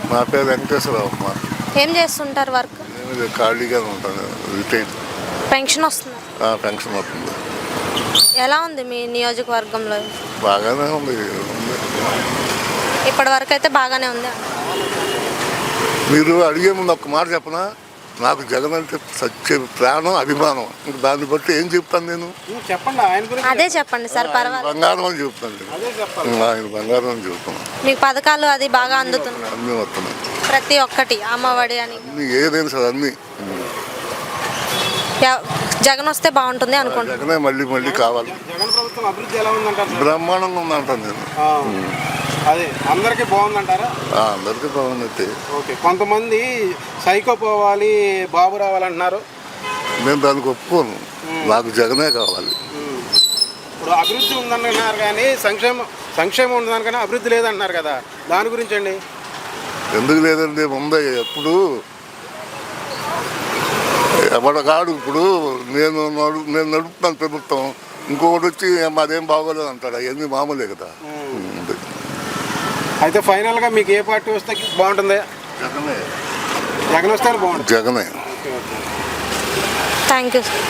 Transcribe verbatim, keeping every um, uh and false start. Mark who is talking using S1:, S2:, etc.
S1: నా పేరు వెంకటేశ్వరరావు అమ్మ.
S2: ఏం చేస్తుంటారు వర్క్?
S1: నేను ఖాళీగానే ఉంటాను, రిటైన్.
S2: పెన్షన్ వస్తుంది?
S1: పెన్షన్ వస్తుంది.
S2: ఎలా ఉంది మీ నియోజకవర్గంలో?
S1: బాగానే ఉంది.
S2: ఇప్పటి వరకు అయితే బాగానే ఉంది.
S1: మీరు అడిగే ముందు ఒక్క మాట చెప్పనా, నాకు జగన్ అంటే సత్య ప్రాణం, అభిమానం. ఇంక దాన్ని బట్టి ఏం చెప్తాను నేను?
S3: చెప్పండి, ఆయన గురించి
S2: అదే చెప్పండి సార్, పర్వాలేదు.
S1: బంగారం అని చెప్తాను నేను. ఆయన బంగారం అని చెప్తాను.
S2: మీకు పథకాలు అది బాగా అందుతుంది?
S1: అన్నీ వస్తున్నాయి,
S2: ప్రతి ఒక్కటి, అమ్మఒడి అని
S1: అన్ని ఏదైనా సార్ అన్నీ.
S2: ఎవ- జగన్ వస్తే బాగుంటుంది అనుకుంటున్నాను.
S1: జగనే మళ్ళీ మళ్ళీ కావాలి.
S3: జగన్ ప్రభుత్వం అభివృద్ధి ఎలా ఉందంటారు?
S1: బ్రహ్మాండంగా ఉందంటాను నేను.
S3: అదే అందరికీ బాగుందంటారా?
S1: ఆ, అందరికీ బాగుంది.
S3: ఓకే, కొంతమంది సైకో పోవాలి, బాబు రావాలంటున్నారు.
S1: నేను దానికి ఒప్పుకోను. నాకు జగనే కావాలి.
S3: ఇప్పుడు అభివృద్ధి ఉందన్నారు కానీ సంక్షేమం సంక్షేమం ఉందని కానీ అభివృద్ధి లేదంటున్నారు కదా, దాని గురించి అండి?
S1: ఎందుకు లేదండి, ఉంది. ఎప్పుడు ఎవడగాడు ఇప్పుడు నేను నడు నేను నడుపుతాను ప్రభుత్వం, ఇంకొకటి వచ్చి మాదేం బాగోలేదు అంటాడు. అవన్నీ మామూలే కదా. ఉంది.
S3: అయితే ఫైనల్గా మీకు ఏ పార్టీ వస్తే బాగుంటుంది?
S1: జగనే.
S3: జగన్ వస్తే బాగుంటుంది.
S1: జగనే.
S2: Thank you.